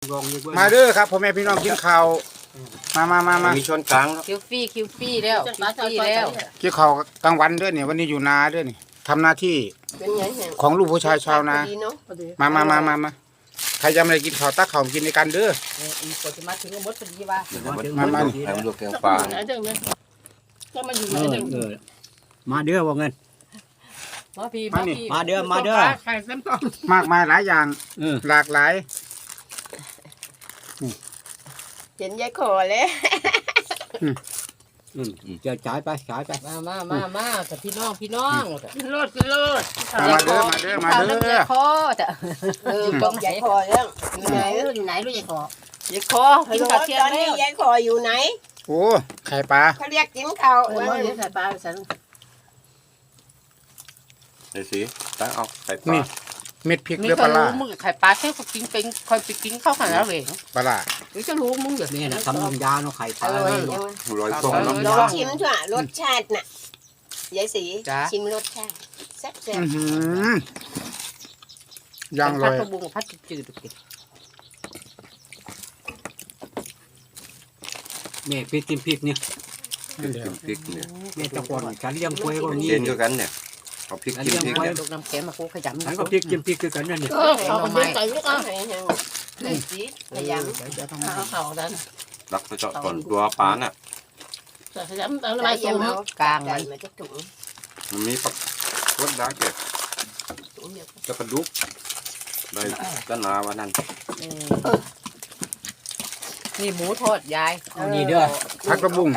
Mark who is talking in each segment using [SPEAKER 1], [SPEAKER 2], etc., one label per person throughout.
[SPEAKER 1] มาเด้อครับพ่อแม่พี่น้องกินข้าวมา
[SPEAKER 2] มีช้อนกลาง
[SPEAKER 3] คิวฟี่แล้วคิวฟี่แล้ว
[SPEAKER 1] กินข้าวกลางวันเด้อเนี่ยวันนี้อยู่นาเด้อนี่ทำหน้าที่ของลูกผู้ชายชาวนามาใครจะไม่ได้กินข้าวตักข้าวกินในกันเด้อ
[SPEAKER 3] กดจะมาถึงมดพอดีว่า
[SPEAKER 1] มา
[SPEAKER 2] ลูกแกงปลา
[SPEAKER 3] ก็มาอยู่
[SPEAKER 4] มาเด้อว่าเงินมาเด้อ
[SPEAKER 1] มากมายหลายอย่างหลากหลาย
[SPEAKER 3] เห็นยายขอเลย
[SPEAKER 4] จะจ่ายไป
[SPEAKER 3] มาแต่พี่น้องโลด
[SPEAKER 1] มาเด้อ
[SPEAKER 3] คอแต่อยู่ตรงยายคอแล้วอยู่ไหนลูกยายคอกินข้าวเที่ยงแล้วยายคออยู่ไหน
[SPEAKER 1] โอ้ไข่ปลา
[SPEAKER 3] เขาเรียกกินข้าวไข่ปลาฉัน
[SPEAKER 2] ไอ้สิตั้งเอาไข่ปลา
[SPEAKER 1] เม็ดพริกหรือปลาล่า
[SPEAKER 3] มึงไข่ปลาแค่เขากินเป็นคอยไปกินข้าวขันแล้วเลย
[SPEAKER 1] ปลาล่า
[SPEAKER 3] หรือจะรู้มึงอย่าง
[SPEAKER 4] นี้นะทำน้ำยาเนาะไข่ปลา
[SPEAKER 2] ร้อยส่งน้ำ
[SPEAKER 3] ลองชิมช่วยรสชาติน่ะยายสีชิมรสชาติแซ่บ
[SPEAKER 1] ยังเลย
[SPEAKER 3] พัดบุ้งพัดจืด
[SPEAKER 4] แม่พริกกินพริกเนี่ย
[SPEAKER 2] พริกเนี่ย
[SPEAKER 4] แม่ตะกอนฉันเลี้ยงกล้วยก็นี่
[SPEAKER 2] เย็นด้วยกันเนี่ยเอาพริกกินพริกเนี่ย
[SPEAKER 3] น้ำแข็งมาคูขยำ
[SPEAKER 4] ฉันก็พริกกินพริกคือกันนั่นเนี่ย
[SPEAKER 3] เอาไปใส่ลูกอ่ะนี่สิขยำเอาดัน
[SPEAKER 2] รักไปเจาะก่อนตัวปลาน่ะ
[SPEAKER 3] ขยำเอาอะไรสูงกลาง
[SPEAKER 2] มันมีปักรสดาเก็บจะกระดุกได้กันนาวันนั้น
[SPEAKER 3] นี่หมูทอดยาย
[SPEAKER 4] นี่เด้อ
[SPEAKER 1] ผักกระบุ้ง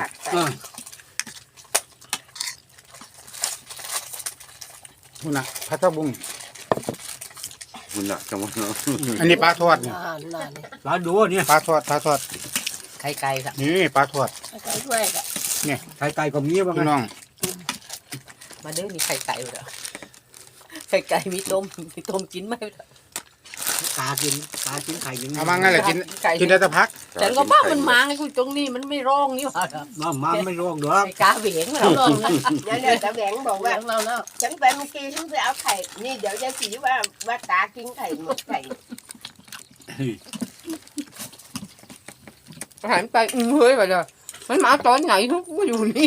[SPEAKER 1] หุ่นน่ะผักกระบุ้ง
[SPEAKER 2] หุ่นน่ะจังหวะเนาะ
[SPEAKER 1] อันนี้ปลาทอดเนี่ย
[SPEAKER 4] ปลาดูเนี่ย
[SPEAKER 1] ปลาทอด
[SPEAKER 3] ไข่ไก่ครับ
[SPEAKER 1] นี่ปลาทอด
[SPEAKER 3] ไก่ด้วยอ่ะ
[SPEAKER 1] เนี่ย
[SPEAKER 4] ไข่ไก่ก็มีบ้าง
[SPEAKER 1] พี่น้อง
[SPEAKER 3] มาเด้อมีไข่ไก่เหรอไข่ไก่มีต้มกินไหม
[SPEAKER 4] ปลากินไข่กิน
[SPEAKER 1] เอามางั้นแหละกินได้แต่พัก
[SPEAKER 3] ฉันก็ว่ามันมาไงคุณตรงนี้มันไม่ร้องนี่หว่า
[SPEAKER 4] มาไม่ร้องหรอก
[SPEAKER 3] กาเหวี่ยงเราร้องเนี่ยตาแหวงบอกว่าเราฉันไปเมื่อกี้ฉันไปเอาไข่นี่เดี๋ยวยายสีว่าตากินไข่หมดไข่หันไปเฮ้ยไปเลยมันมาตอนไหนทุกอยู่นี่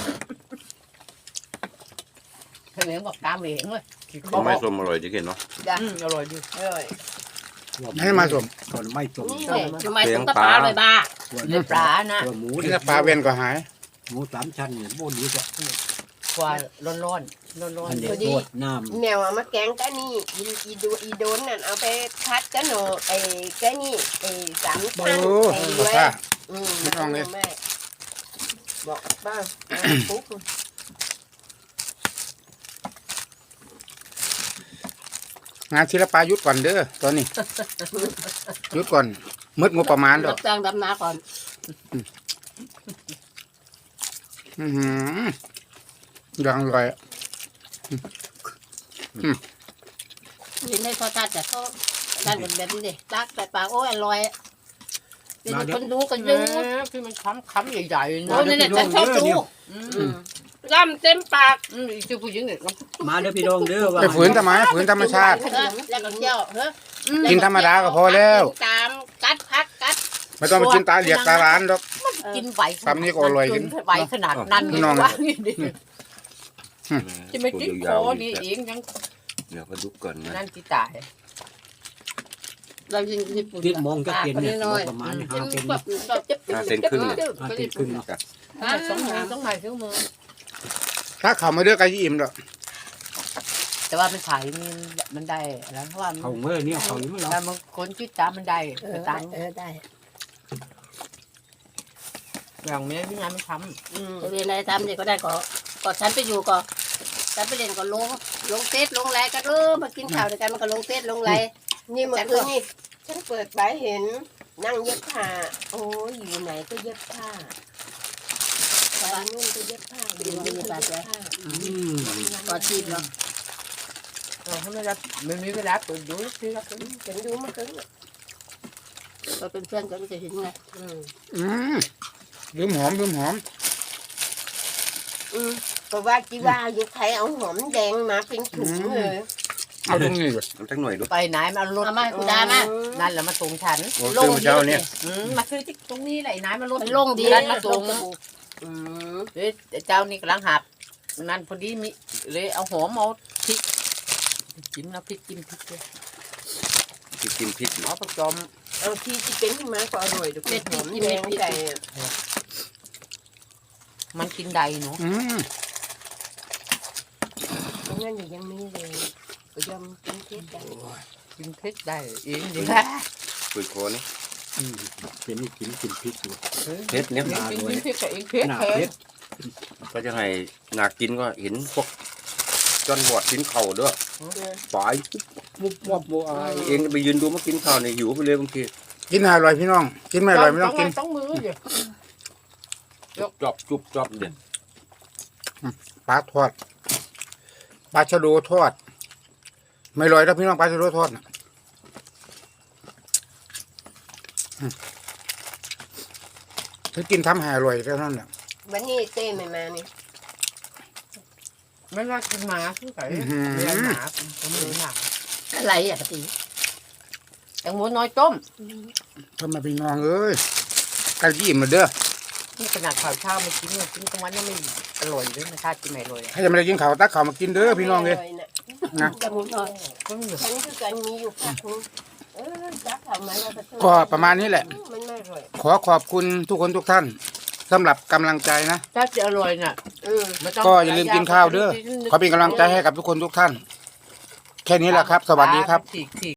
[SPEAKER 3] ตาแหวงบอกกาเหวี่ยงเลย
[SPEAKER 2] ไม่ส้มอร่อยจริงเนาะ
[SPEAKER 3] อร่อยดีอร่อย
[SPEAKER 1] ให้มาสม
[SPEAKER 4] ก่อนไม่สม
[SPEAKER 3] ทำไมต้องปลาเลยบ้าเนื้อปลานะ
[SPEAKER 4] หมู
[SPEAKER 1] นี่ปลาเวียนก็หาย
[SPEAKER 4] หมู3 ชั้นเนี่ยโบนี้จะ
[SPEAKER 3] กว่าร้อน
[SPEAKER 4] เดี๋ยวดีน้
[SPEAKER 3] ำแมวเอามาแกงกันนี่อีโดนนั่นเอาไปพัดกันหนูไอ้แกนี่ไอ้3 ชั้นไอ้ด้วย
[SPEAKER 1] ไม่ต้องเลย
[SPEAKER 3] บอกบ้างปุ๊บ
[SPEAKER 1] งานศิลปะยุทธก่อนเด้อตอนนี้ยุทธก่อนมืดงบประมาณดอก
[SPEAKER 3] จ้างดำนาก่อน
[SPEAKER 1] ยังอร่อย
[SPEAKER 3] กินได้ทอดจัดแต่เขาด้านแบบนี้ดิตักแต่ปากโอ้ยอร่อยเป็นคนดูกันดูคือมันค้ำใหญ่ๆนะนี่แหละฉันชอบดูร่ำเต็มปากคือผู้หญิงเนี่ย
[SPEAKER 4] มาเด้อพี่น้องเด้อว่า
[SPEAKER 1] ไปฝืนทำไมฝืนธรรมชาติ
[SPEAKER 3] แล้วก็เที่ยว
[SPEAKER 1] กินธรรมดาก็พอแล้ว
[SPEAKER 3] ตามกัดพักกัด
[SPEAKER 1] ไม่ต้องไปกินตาเหลียกตาล้านหรอก
[SPEAKER 3] กินไหว
[SPEAKER 1] ทำนี่ก็อร่อยกิน
[SPEAKER 3] ไหวขนาดนั้นจะไม่ติดคอนี่เองยัง
[SPEAKER 2] เดี๋ยวก็ดุก่อนนะ
[SPEAKER 3] นั่นที่ตายเรา
[SPEAKER 4] ติดมองจะเกินเนี่ยประมาณ5 เซนครึ่ง
[SPEAKER 3] ต้องหายเครื่องมือ
[SPEAKER 1] ถ้าเขาไม่เลือกไก่อิ่มหรอก
[SPEAKER 3] แต่ว่ามันขายมันได้แล้วเพราะว่า
[SPEAKER 4] เขาเมื่อเนี่ยเขาอยู่แล้ว
[SPEAKER 3] มันคนชื่อจ้ามันได้ตังได้อย่างนี้พี่งานมันทำเรียนอะไรทำเนี่ยก็ได้ก็ฉันไปอยู่ก็ฉันไปเรียนก็ลงเฟซลงไลน์ก็มากินข้าวด้วยกันมันก็ลงเฟซลงไลน์นี่เมื่อคืนนี่ฉันเปิดไปเห็นนั่งเย็บผ้าโอ้ยอยู่ไหนก็เย็บผ้าไปนู่นก็เย็บผ้าอยู่นี่ก็เย็บผ้าก็ชีพเนาะถ้าไม่รับไม่มีเวลาเปิดดูสิครับเห็นดูมันก็เราเป็นเพื่อนกันจะเห็นไง
[SPEAKER 1] ลืมหอม
[SPEAKER 3] ก็ว่าจีว่าอยู่ใครเอาหอมแดงมาเป็นถุงเลย
[SPEAKER 1] เอาตรงนี้เลย
[SPEAKER 2] น้ำจักหน่อยดู
[SPEAKER 4] ไปไหนมาเอารถ
[SPEAKER 3] เอามากูดามา
[SPEAKER 4] นั่นแหละมาส่งฉัน
[SPEAKER 2] โอ้ซื้อมาเจ้าเนี่ย
[SPEAKER 4] มาซื้อที่ตรงนี้แหละไอ้นายมารถ
[SPEAKER 3] มันลงดี
[SPEAKER 4] นั่นมาส่ง
[SPEAKER 3] อืม
[SPEAKER 4] เอ้ยเจ้านี่กำลังหับนั่นพอดีมีเลยเอาหอมเอาพริกจิ้มแล้วพริกจิ้มพริกเลย
[SPEAKER 2] กินพริก
[SPEAKER 4] เอาประจอม
[SPEAKER 5] เอาที่เป็นขึ้นมาก็อร่อยดูเป็นหอมแดงไก่
[SPEAKER 4] มันกินใดเนาะ
[SPEAKER 5] ตรงนั้นยังมีเลยก็ยำเป็นเทศไก่
[SPEAKER 4] กินพริกได้เองดี
[SPEAKER 2] ปืนคอนี่
[SPEAKER 6] เป็นนี่กินพริกอยู่
[SPEAKER 2] เผ็ดเนี่ย
[SPEAKER 4] กินพริกกับเองพริก
[SPEAKER 6] หนา
[SPEAKER 4] แค่
[SPEAKER 6] เพชร
[SPEAKER 2] ก็จะให้หนากินก็เห็นพวกจอนบอดกินเข่าด้วยปลาย
[SPEAKER 6] มุบวับโบอาย
[SPEAKER 2] เองไปยืนดูมากินข้าวในหิวไปเลยบางที
[SPEAKER 1] กินอร่อยพี่น้อง กินไม่อร่อยไม่ต้องกิน
[SPEAKER 4] ต้องมือเดี๋ยว
[SPEAKER 2] จุบจอบเด็ด
[SPEAKER 1] ปลาทอดปลาชะโดทอด ไม่อร่อยแล้วพี่น้องปลาชะโดทอดน่ะถ้ากินทำให้อร่อยแค่นั้นแหละ
[SPEAKER 5] วันนี้เต้ไม่มานี่
[SPEAKER 4] ไม่ว่ากินหมาคือไก่เลี้ยงหมาผมเลี้ยงหมา
[SPEAKER 3] อะไรอ่ะปกติ
[SPEAKER 4] แตงโมน้อยต้ม
[SPEAKER 1] ทำไมพี่น้องเอ้ยไก่ยี่มาเด้อ
[SPEAKER 4] นี่ขนาดข้าวเช้าไม่กินเนี่ยกินกลางวันยังไม่อร่อยเลยนะชาติกินไม่อร่อย
[SPEAKER 1] ให้จะไม่ได้กินข้าวตักข้าวมากินเด้อพี่น้องเลย นะ
[SPEAKER 3] จมูกหน่อย
[SPEAKER 4] ก็มี
[SPEAKER 5] ฉันคือกันมีอยู่พักนึงจักทำมาแล้ว
[SPEAKER 1] ก็ประมาณนี้แหละ
[SPEAKER 5] มันไม่อร่อย
[SPEAKER 1] ขอขอบคุณทุกคนทุกท่านสำหรับกำลังใจนะ
[SPEAKER 4] ถ้าจะอร่อยน่ะ ไม่ต้ง
[SPEAKER 1] ก็อย่าลืมกินข้าวเด้อ ขอเป็นกำลังใจให้กับทุกคนทุกท่าน แค่นี้แหละครับ สวัสดีครับ
[SPEAKER 4] ฉีก